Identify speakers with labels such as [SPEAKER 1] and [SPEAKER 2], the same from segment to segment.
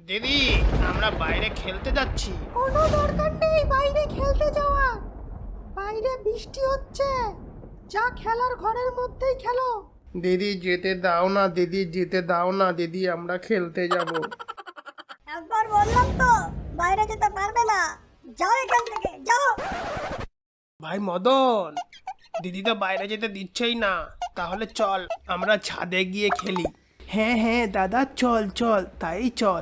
[SPEAKER 1] দিদি, আমরা বাইরে খেলতে যাচ্ছি।
[SPEAKER 2] কোনো দরকার নেই বাইরে খেলতে যাওয়ার। বাইরে বৃষ্টি হচ্ছে, যা খেলার ঘরের মধ্যেই খেলো।
[SPEAKER 1] দিদি যেতে দাও না, দিদি যেতে দাও না, দিদি আমরা খেলতে যাব।
[SPEAKER 2] একবার বললাম তো বাইরে যেতে পারবে না, যাও এখান থেকে যাও।
[SPEAKER 1] ভাই মদন, দিদি তো বাইরে যেতে দিচ্ছেই না। তাহলে চল আমরা ছাদে গিয়ে খেলি। হ্যাঁ হ্যাঁ দাদা, চল চল, তাই চল।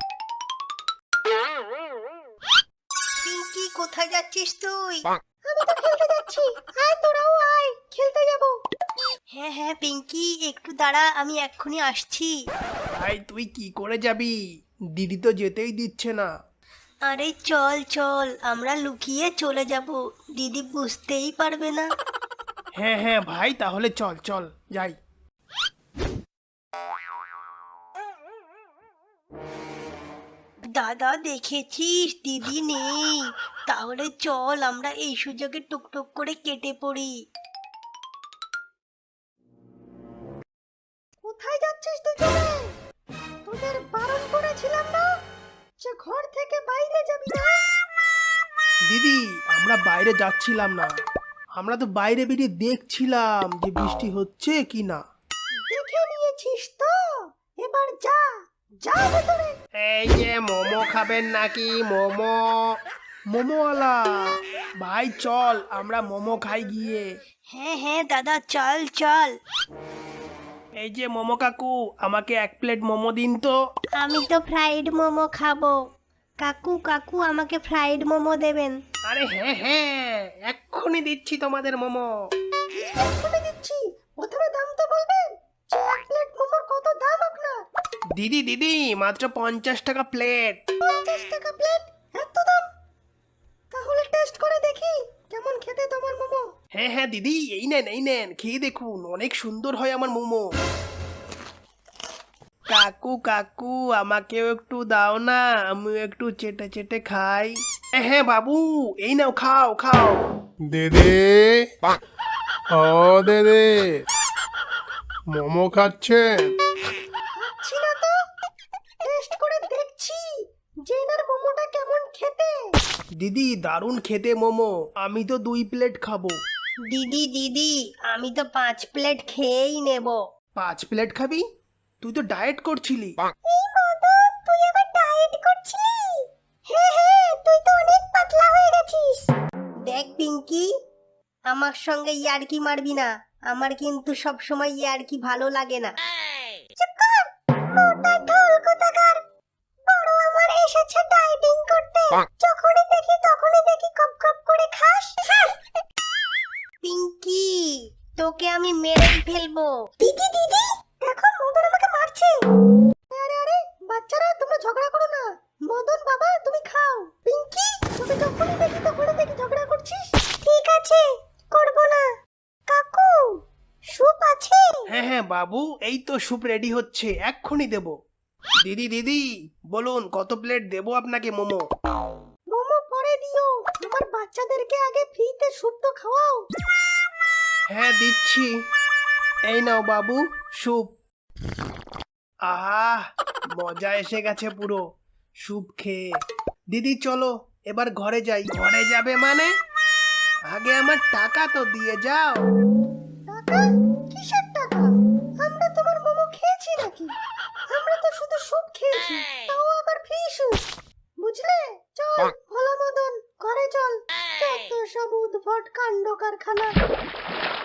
[SPEAKER 2] পিঙ্কি, কোথায় যাচ্ছিস তুই? আমি তো খেলতে যাচ্ছি, আয় তোরাও আয়, খেলতে যাব। হ্যাঁ হ্যাঁ পিঙ্কি, একটু দাঁড়া, আমি এক্ষুনি আসছি।
[SPEAKER 1] ভাই তুই কি করে যাবি? দিদি তো যেতেই দিচ্ছে না।
[SPEAKER 2] আরে চল চল, আমরা লুকিয়ে চলে যাব, দিদি বুঝতেই পারবে না।
[SPEAKER 1] হ্যাঁ হ্যাঁ ভাই, তাহলে চল চল যাই।
[SPEAKER 2] দাদা দেখেছিস দিদি নেই, তাহলে চল আমরা এই সুযোগে টুকটুক করে কেটে পড়ি। কোথায় যাচ্ছিস দুজনে? তোদের বারণ করেছিলাম না যে ঘর থেকে বাইরে যাবি না?
[SPEAKER 1] দিদি আমরা বাইরে যাচ্ছিলাম না, আমরা তো বাইরে বেরিয়ে দেখছিলাম যে বৃষ্টি হচ্ছে কি না।
[SPEAKER 2] দেখে নিয়েছিস তো, এবার যা, যা ভেতরে।
[SPEAKER 1] এই যে মোমো খাবেন নাকি? মোমো, মোমোওয়ালা ভাই চল আমরা মোমো খাই গিয়ে।
[SPEAKER 2] হ্যাঁ হ্যাঁ দাদা, চল চল।
[SPEAKER 1] এই যে মোমো কাকু, আমাকে 1 প্লেট মোমো দিন তো।
[SPEAKER 2] আমি তো ফ্রাইড মোমো খাবো। কাকু কাকু, আমাকে ফ্রাইড মোমো দেবেন।
[SPEAKER 1] আরে হ্যাঁ হ্যাঁ, এক্ষুনি দিচ্ছি তোমাদের মোমো।
[SPEAKER 2] এক্ষুনি দিচ্ছি, প্রথমে দাম তো বলবেন যে 1 প্লেট মোমোর কত দাম আপনার?
[SPEAKER 1] দিদি দিদি, মাত্র 50 টাকা প্লেট।
[SPEAKER 2] 50 টাকা প্লেট? এত দাম? তাহলে টেস্ট করে দেখি কেমন খেতে তোমার মোমো।
[SPEAKER 1] হ্যাঁ হ্যাঁ দিদি, এই নেন এই নেন, খেয়ে দেখুন, অনেক সুন্দর হয় আমার মোমো। কাকু কাকু, আমাকেও একটু দাও না, আমিও একটু চেটে চেটে খাই। হ্যাঁ হ্যাঁ বাবু, এই নাও খাও খাও।
[SPEAKER 3] দিদি, ও দিদি, মোমো খাচ্ছেন?
[SPEAKER 2] খাচ্ছি না তো, টেস্ট করে দেখছি যে এনার মোমোটা কেমন খেতে।
[SPEAKER 1] দিদি দারুণ খেতে মোমো, আমি তো 2 প্লেট খাবো।
[SPEAKER 2] দিদি দিদি, আমি তো 5 প্লেট খেয়েই নেব।
[SPEAKER 1] 5 প্লেট খাবি? তুই তো ডায়েট করছিলি।
[SPEAKER 2] এই মদন, তুই আবার ডায়েট করছিলি? হ্যাঁ হ্যাঁ, তুই তো অনেক পাতলা হয়ে গেছিস। দেখ পিঙ্কি, আমার সঙ্গে ইয়ার্কি মারবি না, আমার কিন্তু সব সময় ইয়ার্কি ভালো লাগে না। চুপ কর, মোটা ঢোল কোথাকার। বড় আমার এসেছে ডায়েটিং করতে, যখনই দেখি তখনই দেখি কপ কপ করে খাস। পিঙ্কি, তোকে আমি মেরেই ফেলবো। দিদি দিদি, দেখো মদন আমাকে মারছে। আরে আরে বাচ্চারা, তোমরা ঝগড়া করো না। মদন বাবা, তুমি খাও। পিঙ্কি, তোকে যখনই দেখি তখনই দেখি ঝগড়া করছিস। ঠিক আছে, করব না। কাকু, স্যুপ আছে?
[SPEAKER 1] হ্যাঁ হ্যাঁ বাবু, এই তো স্যুপ রেডি হচ্ছে, এক্ষুনি দেবো। দিদি দিদি, বলুন কত প্লেট দেবো আপনাকে মোমো?
[SPEAKER 2] মোমো পরে দিও, আমার বাচ্চাদেরকে আগে ফ্রিতে স্যুপ তো খাওয়াও।
[SPEAKER 1] হ্যাঁ দিচ্ছি, এই নাও বাবু স্যুপ। আহা, মজা এসে গেছে পুরো স্যুপ খেয়ে। দিদি চলো এবার ঘরে যাই। ঘরে যাবে মানে? আগে আমার টাকা তো দিয়ে যাও।
[SPEAKER 2] টাকা? কিসের টাকা? আমরা তোমার মোমো খেয়েছি নাকি? আমরা তো শুধু স্যুপ খেয়েছি, তাও আবার ফ্রি স্যুপ। বুঝলে? চল ভোলা মদন, ঘরে চল। যত সব উদ্ভট কাণ্ড কারখানা।